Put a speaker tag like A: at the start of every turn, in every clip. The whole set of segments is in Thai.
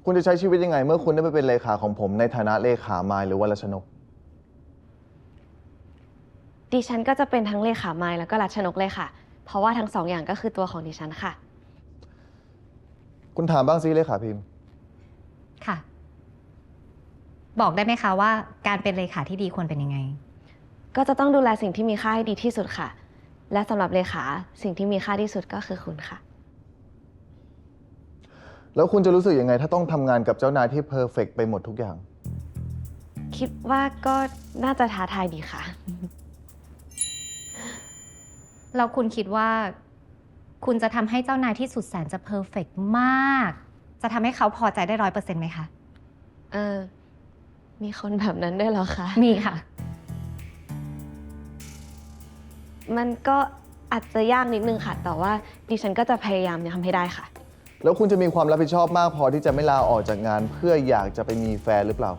A: คุณจะใช้ชีวิตยังไงเมื่อคุณได้ไปเป็นเลขาของผมในฐานะเลขามายหรือว่ารัชนก
B: ดิฉันก็จะเป็นทั้งเลขามายแล้วก็รัชนกเลยค่ะ เพราะว่าทั้งสองอย่างก็คือตัวของดิฉันค่ะ
A: คุณถามบ้างสิเลขาพิมพ์
C: ค่ะ บอกได้ไหมคะว่าการเป็นเลขาที่ดีควรเป็นยังไง
B: ก็จะต้องดูแลสิ่งที่มีค่าให้ดีที่สุดค่ะ และสำหรับเลขาสิ่งที่มีค่าที่สุดก็คือคุณค่ะ
A: แล้วคุณจะรู้สึกยังไงถ้าต้องทำงานกับเจ้านายที่เพอร์เฟกต์ไปหมดทุกอย่าง
B: คิดว่าก็น่าจะท้าทายดีค่ะ
C: แล้วคุณคิดว่า คุณจะทำให้เจ้านายที่สุดแสนจะเพอร์เฟกต์มาก จะทำให้เขาพอใจได้100%ไหมคะ
B: มีคนแบบนั้นด้วยเหรอคะ
C: มีค่ะ
B: มันก็อาจจะยากนิดนึงค่ะ แต่ว่าดิฉันก็จะพยายามทำให้ได้ค่ะ
A: แล้วคุณจะมีความรับผิดชอบมากพอที่จะไม่ลาออกจากงานเพื่ออยากจะไปมีแฟนหรือเปล่า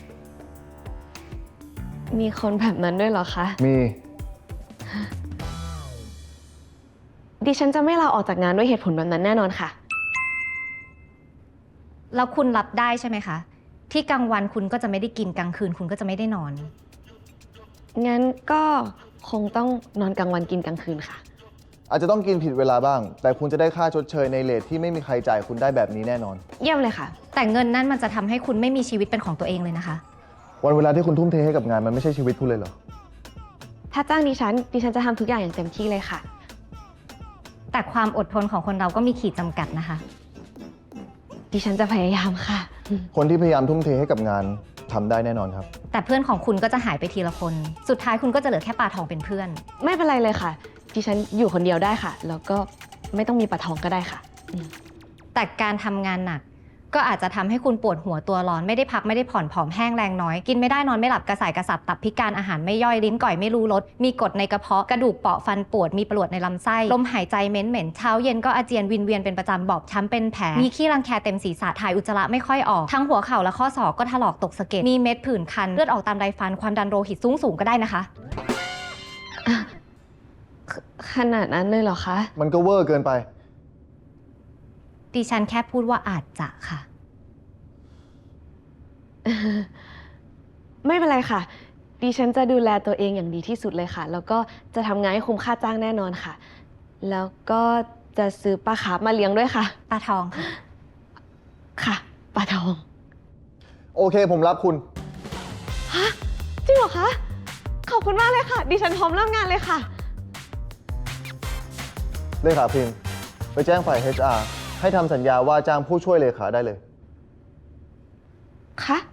B: มีคนแบบนั้นด้วยเหรอคะ
A: มี
B: ดิฉันจะไม่ลาออกจากงานด้วยเหตุผลแบบนั้นแน่นอนค่ะ
C: แล้วคุณรับได้ใช่ไหมคะ ที่กลางวันคุณก็จะไม่ได้กินกลางคืนคุณก็จะไม่ได้นอน
B: งั้นก็คงต้องนอนกลางวันกินกลางคืนค่ะ
A: อาจจะต้องกินผิดเวลาบ้าง แต่คุณจะได้ค่าชดเชยในเรทที่ไม่มีใครจ่ายคุณได้แบบนี้แน่นอน
B: เยี่ยมเลยค่ะ
C: แต่เงินนั่นมันจะทำให้คุณไม่มีชีวิตเป็นของตัวเองเลยนะคะ
A: วันเวลาที่คุณทุ่มเทให้กับงานมันไม่ใช่ชีวิตคุณเลยเหรอ
B: ถ้าจ้างดิฉันจะทำทุกอย่างอย่างเต็มที่เลยค่ะ
C: แต่ความอดทนของคนเราก็มีขีดจำกัดนะคะ
B: ดิฉันจะพยายามค่ะ
A: คนที่พยายามทุ่มเทให้กับงานทำได้แน่นอนครับ
C: แต่เพื่อนของคุณก็จะหายไปทีละคน สุดท้ายคุณก็จะเหลือแค่ปลาทองเป็นเพื่อน
B: ไม่เป็นไรเลยค่ะ ดิฉันอยู่คนเดียวได้ค่ะ แล้วก็ไม่ต้องมีปลาทองก็ได้ค่ะ
C: แต่การทำงานหนัก ก็อาจจะทำให้คุณปวดหัวตัวร้อนไม่ได้พักไม่ได้ผ่อนผอมแห้งแรงน้อยกินไม่ได้นอนไม่หลับกระส่ายกระสับตับพิการอาหารไม่ย่อยลิ้นก่อยไม่รู้รสมีกรดในกระเพาะกระดูกเปราะฟันปวดมีปวดในลำไส้ลมหายใจเหม็นเช้าเย็นก็อาเจียนวินเวียนเป็นประจำบอบช้ำเป็นแผลมีขี้รังแคเต็มศีรษะถ่ายอุจจาระไม่ค่อยออกทั้งหัวเข่าและข้อศอกก็ถลอกตกสะเก็ดมีเม็ดผื่นคันเลือดออกตามไรฟันความดันโลหิตสูงก็ได้นะคะ
B: ขนาดนั้นเลยเหรอคะ
A: มันก็เวอร์เกินไป
C: ดิฉันแค่พูดว่าอาจจะค่ะ
B: ไม่เป็นไรค่ะ ดิฉันจะดูแลตัวเองอย่างดีที่สุดเลยค่ะ แล้วก็จะทำงานให้คุ้มค่าจ้างแน่นอนค่ะ แล้วก็จะซื้อปลาคาร์ฟมาเลี้ยงด้วยค่ะ
C: ปลาทองค่ะ
B: ค่ะ ปลาทอง
A: โอเคผมรับคุณ
B: ฮะ จริงเหรอคะ ขอบคุณมากเลยค่ะ ดิฉันพร้อมเริ่มงานเลยค่ะ
A: เลขาพิมพ์ไปแจ้งฝ่าย HR ให้ทำสัญญาว่าจ้างผู้ช่วยเลขาได้เลย
B: คะ